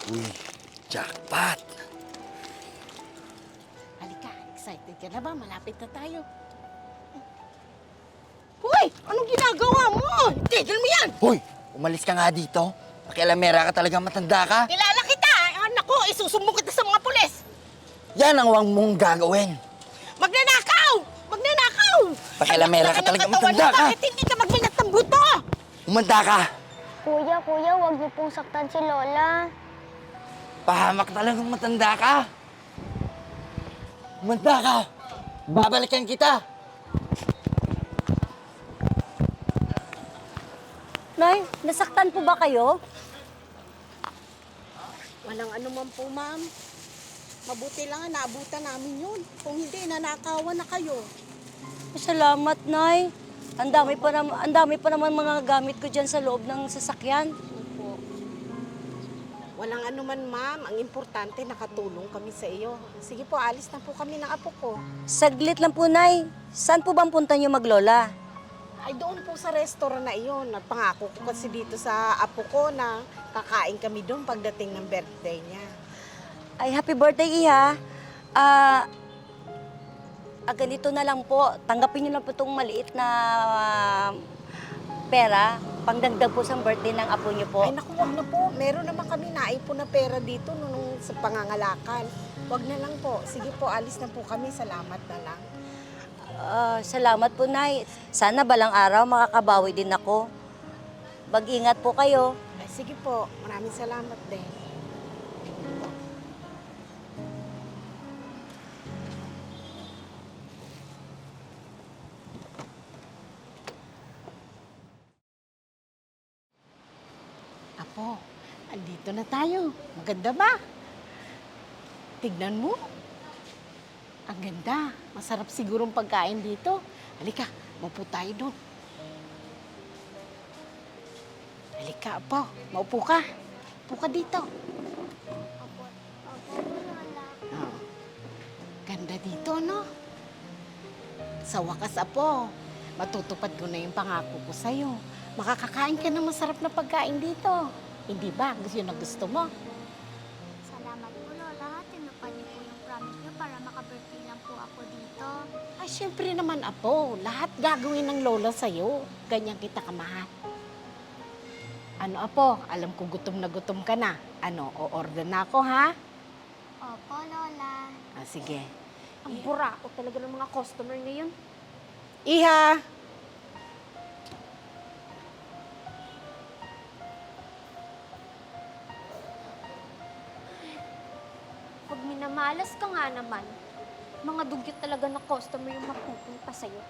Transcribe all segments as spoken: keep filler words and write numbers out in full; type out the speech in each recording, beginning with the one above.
Uy, jackpot! Halika, excited ka na ba? Malapit na tayo. Hoy! Anong ginagawa mo? Tigil mo yan! Hoy! Umalis ka nga dito. Pakialamera ka talagang matanda ka. Kilala kita! Anak ko, isusumbong kita sa mga pulis! Yan ang wang mong gagawin. Magnanakaw! Magnanakaw! Pakialamera ka talagang matanda ka. Bakit hindi ka magminat ng buto? Umanda ka. Kuya, kuya, huwag niyo pong saktan si Lola. Pahamak talagang matanda ka. Umanda ka. Babalikan kita. Nay, nasaktan po ba kayo? Walang ano man po, ma'am. Mabuti lang nga, naabutan namin yun. Kung hindi, nanakawan na kayo. Salamat, Nay. Ang dami pa naman, ang dami pa naman mga gamit ko diyan sa loob ng sasakyan. Opo. Walang ano man, ma'am. Ang importante, nakatulong kami sa iyo. Sige po, alis na po kami ng apo ko. Saglit lang po, Nay. Saan po bang punta niyo maglola? Ay, doon po sa restaurant na iyon. Nagpangako ko kasi dito sa apo ko na kakain kami doon pagdating ng birthday niya. Ay, happy birthday, Iha. Ah, ah, ganito na lang po. Tanggapin niyo lang po itong maliit na ah, pera. Pangdagdag po sa birthday ng apo niyo po. Ay, naku, wag na po. Meron naman kami naipon na pera dito nung sa pangangalakan. Wag na lang po. Sige po, alis na po kami. Salamat na lang. Ah, salamat po, Nay. Sana balang araw makakabawi din ako. Mag-ingat po kayo. Ay, sige po. Maraming salamat din. Apo, andito na tayo. Maganda ba? Tignan mo. Ang ganda. Masarap sigurong pagkain dito. Halika, maupo tayo doon. Halika, Apo. Maupo ka. Upo ka dito. Opo, opo, Lola. Oh. Ganda dito, no? Sa wakas, Apo, matutupad ko na yung pangako ko sa'yo. Makakakain ka ng masarap na pagkain dito. Hindi ba? Gusto yun na gusto mo? Salamat po, Lola. Tinupad niyo po yung promise niyo para maka-birthday lang po ako dito. Ay, syempre naman, Apo. Lahat gagawin ng lola sa'yo. Ganyan kita kamahal. Ano, Apo? Alam ko gutom na gutom ka na. Ano, o-order na ako, ha? Opo, Lola. Ah, sige. Ang burako talaga ng mga customer ngayon. Iha! Pag minamalas ka nga naman, mga dugyot talaga na customer yung mapupunta sa'yo.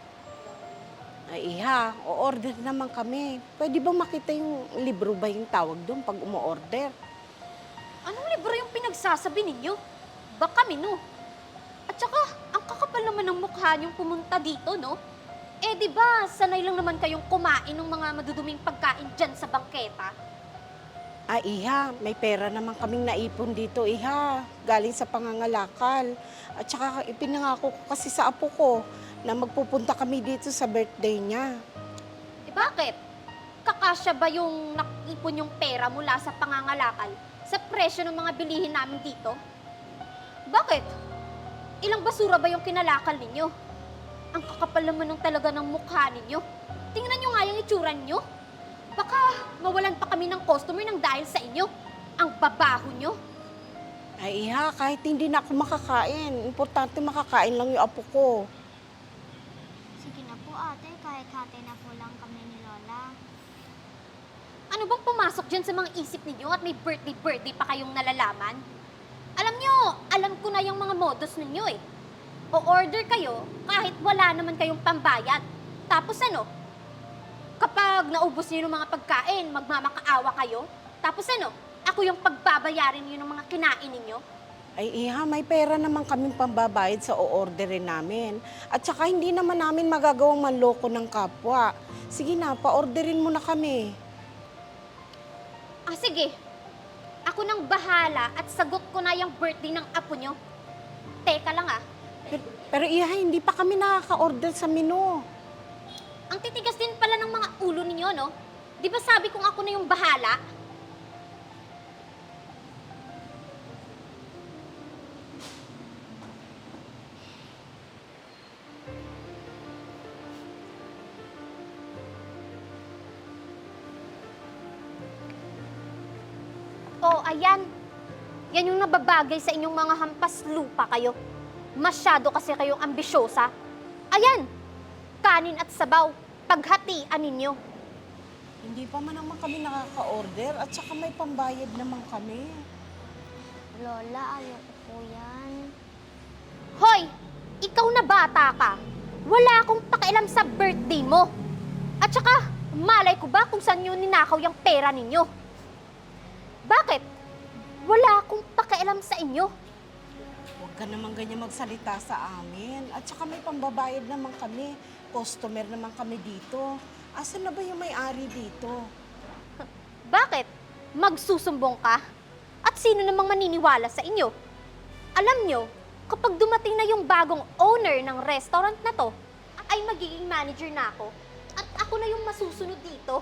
Ay, Iha, o-order naman kami. Pwede ba makita yung libro ba yung tawag doon pag umo-order? Anong libro yung pinagsasabi ninyo? Baka mino. At saka, ang kakapal naman ng mukha niyong pumunta dito, no? Eh, di ba, sanay lang naman kayong kumain ng mga maduduming pagkain dyan sa bangketa? Ah, Iha, may pera naman kaming naipon dito, Iha. Galing sa pangangalakal. At saka ipinangako ko kasi sa apo ko na magpupunta kami dito sa birthday niya. Eh, bakit? Kakasya ba yung nakipon yung pera mula sa pangangalakal sa presyo ng mga bilihin namin dito? Bakit? Ilang basura ba yung kinalakal ninyo? Ang kakapal naman ng talaga ng mukha ninyo. Tingnan nyo nga yung itsura nyo. Baka mawalan pa kami ng customer nang dahil sa inyo. Ang babaho nyo. Ay, Iha, kahit hindi na ako makakain, importante makakain lang yung apo ko. Sige na po, ate. Kahit hati na po lang kami ni Lola. Ano bang pumasok dyan sa mga isip ninyo at may birthday-birthday pa kayong nalalaman? Alam nyo, alam ko na yung mga modus ninyo eh. O-order kayo kahit wala naman kayong pambayad. Tapos ano? Kapag naubos niyo ng mga pagkain, magmamakaawa kayo. Tapos ano? Ako yung pagbabayarin niyo ng mga kinain ninyo. Ay, Iha, may pera naman kaming pambabayad sa o-orderin namin. At saka hindi naman namin magagawang manloko ng kapwa. Sige na, pa-orderin mo na kami. Ah, sige. Ako nang bahala at sagot ko na yung birthday ng apo nyo. Teka lang ah. Pero, pero Iha, hindi pa kami nakaka-order sa menu. Ang titigas din pala ng mga ulo ninyo, no? Di ba sabi kong ako na yung bahala? O, ayan. Yan yung nababagay sa inyong mga hampas lupa kayo. Masyado kasi kayong ambisyosa. Ayan, kanin at sabaw, paghatian ninyo. Hindi pa man naman kami nakaka-order at saka may pambayad naman kami. Lola, ayoko po yan. Hoy, ikaw na bata ka. Wala akong pakialam sa birthday mo. At saka, malay ko ba kung saan yun ninakaw yung pera ninyo? Bakit? Wala akong pakialam sa inyo. Huwag ka naman ganyan magsalita sa amin. At saka may pambabayad naman kami. Customer naman kami dito. Asan na ba yung may-ari dito? Bakit? Magsusumbong ka? At sino namang maniniwala sa inyo? Alam nyo, kapag dumating na yung bagong owner ng restaurant na to, ay magiging manager na ako. At ako na yung masusunod dito.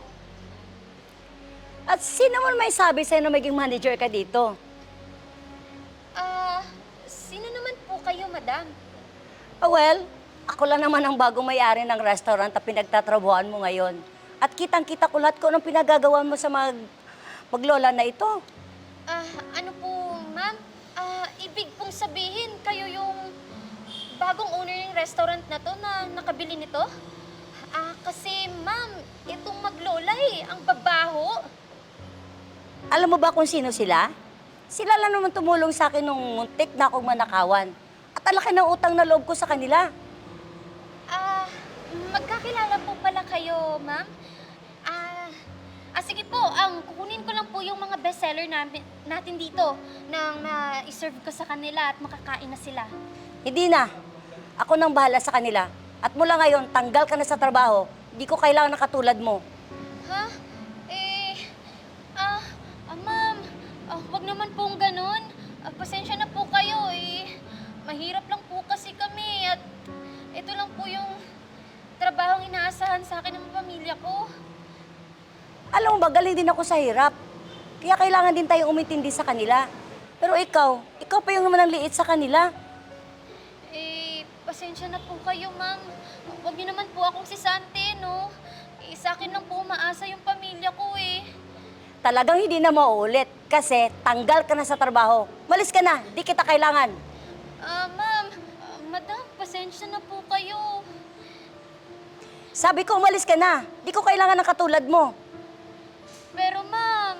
At sino mo may sabi sa'yo na maging manager ka dito? Ah, sino naman po kayo, madam? Ah, well, ako lang naman ang bagong may-ari ng restaurant na pinagtatrabuhan mo ngayon. At kitang-kita ko lahat kung anong pinagagawa mo sa mag maglola na ito. Ah, ano po, ma'am? Ah, ibig pong sabihin, kayo yung bagong owner ng restaurant na to na nakabili nito? Ah, kasi ma'am, itong maglola eh, ang babaho. Alam mo ba kung sino sila? Sila lang naman tumulong sa akin nung muntik na akong manakawan. At ang laki ng utang na loob ko sa kanila. Ah, magkakilala po pala kayo, ma'am? Ah, ah sige po, ang kukunin ko lang po yung mga bestseller namin, natin dito nang na-serve ko sa kanila at makakain na sila. Hindi na. Ako nang bahala sa kanila. At mula ngayon, tanggal ka na sa trabaho. Hindi ko kailangan na katulad mo. Ha? Eh, ah, ah ma'am, ah, wag naman pong ganun. Ah, pasensya na po kayo eh. Mahirap lang po kasi kami at ito lang po yung trabahong inaasahan sa akin ng pamilya ko. Alam mo ba, galing din ako sa hirap. Kaya kailangan din tayong umintindi sa kanila. Pero ikaw, ikaw pa yung naman ang liit sa kanila. Eh, pasensya na po kayo, ma'am. Huwag niyo naman po akong sisante, no? Eh, sa akin lang po umaasa yung pamilya ko eh. Talagang hindi na mauulit kasi tanggal ka na sa trabaho. Malis ka na, di kita kailangan. Ah, ma'am, ah, madam, pasensya na po kayo. Sabi ko, umalis ka na. Di ko kailangan ng katulad mo. Pero ma'am,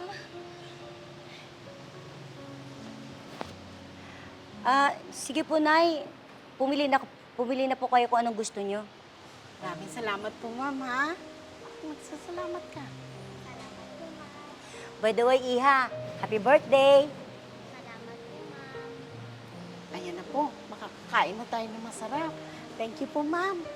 Ah, sige po, Nay. Pumili na, pumili na po kayo kung anong gusto nyo. Maraming salamat po, ma'am, ha? Magsasalamat ka. By the way, Iha, happy birthday! Salamat po, ma'am. Ayan na po, makakakain na tayo ng masarap. Thank you po, ma'am.